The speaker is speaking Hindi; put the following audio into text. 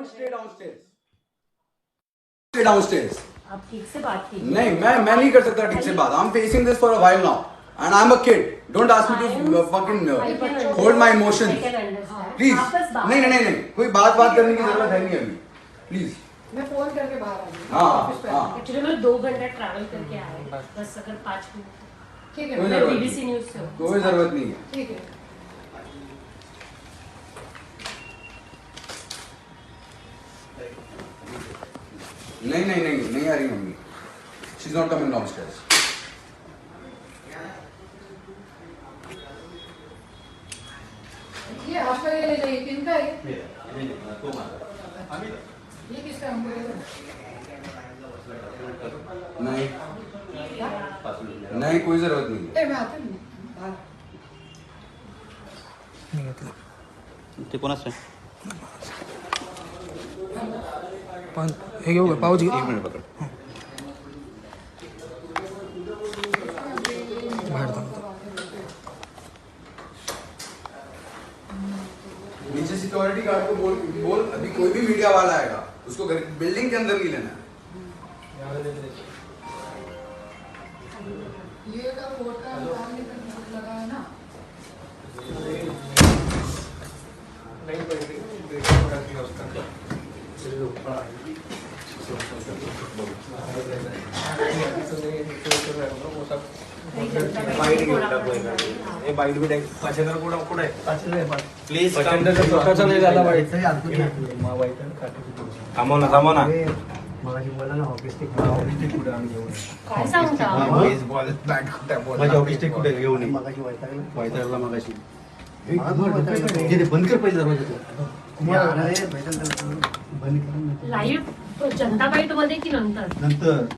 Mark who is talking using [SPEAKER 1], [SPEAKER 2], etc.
[SPEAKER 1] Stay downstairs, stay downstairs.
[SPEAKER 2] आप ठीक से बात कीजिए।
[SPEAKER 1] नहीं, मैं नहीं कर सकता ठीक से बात। I am facing this for a while now and I am a kid. Don't ask me to fucking hold my emotions please. नहीं नहीं नहीं नहीं, कोई बात करने की जरूरत है नहीं अभी, प्लीज।
[SPEAKER 3] मैं फोन करके बाहर आ गई।
[SPEAKER 1] हाँ।
[SPEAKER 2] एक्चुअली मैं 2 घंटा ट्रैवल करके आए, बस अगर 5 मिनट।
[SPEAKER 3] ठीक है,
[SPEAKER 1] कोई
[SPEAKER 2] मैं
[SPEAKER 1] जरूरत
[SPEAKER 2] बीबीसी न्यूज़ से हूँ।
[SPEAKER 1] कोई जरूरत नहीं है।
[SPEAKER 3] ठीक है।
[SPEAKER 1] नहीं नहीं नहीं नहीं आ रही mummy. She is not coming downstairs.
[SPEAKER 3] ये आपका ये ले जाइए, किनका है ये? किसका हमको दे दो।
[SPEAKER 1] नहीं नहीं, कोई जरूरत नहीं है।
[SPEAKER 3] ए, मैं आती हूँ बाहर।
[SPEAKER 4] ते कोणाचं आहे?
[SPEAKER 5] पण हे घेऊ का पाऊच घे.
[SPEAKER 4] एक मिनिट पकड.
[SPEAKER 5] बाहेर थांबतो.
[SPEAKER 1] नीचे सिक्योरिटी गार्ड को बोल अभी कोई भी मीडिया वाला आएगा उसको बिल्डिंग के अंदर नहीं लेना है।
[SPEAKER 3] ये का कोर्ट का काम नहीं करना लगा है ना।
[SPEAKER 4] बाईट भी द्या. पाचशेला कुठं आहे? प्लीज
[SPEAKER 5] स्वतःचा नाही झाला वाईट.
[SPEAKER 4] थांबव ना.
[SPEAKER 2] काय सांगता?
[SPEAKER 4] माझी ऑफिस कुठे घेऊन ये. वैतागला मगाशी. बंद कर पहिला दरवाजा.
[SPEAKER 2] लाईव्ह जनता बाईट मध्ये की नंतर?
[SPEAKER 4] नंतर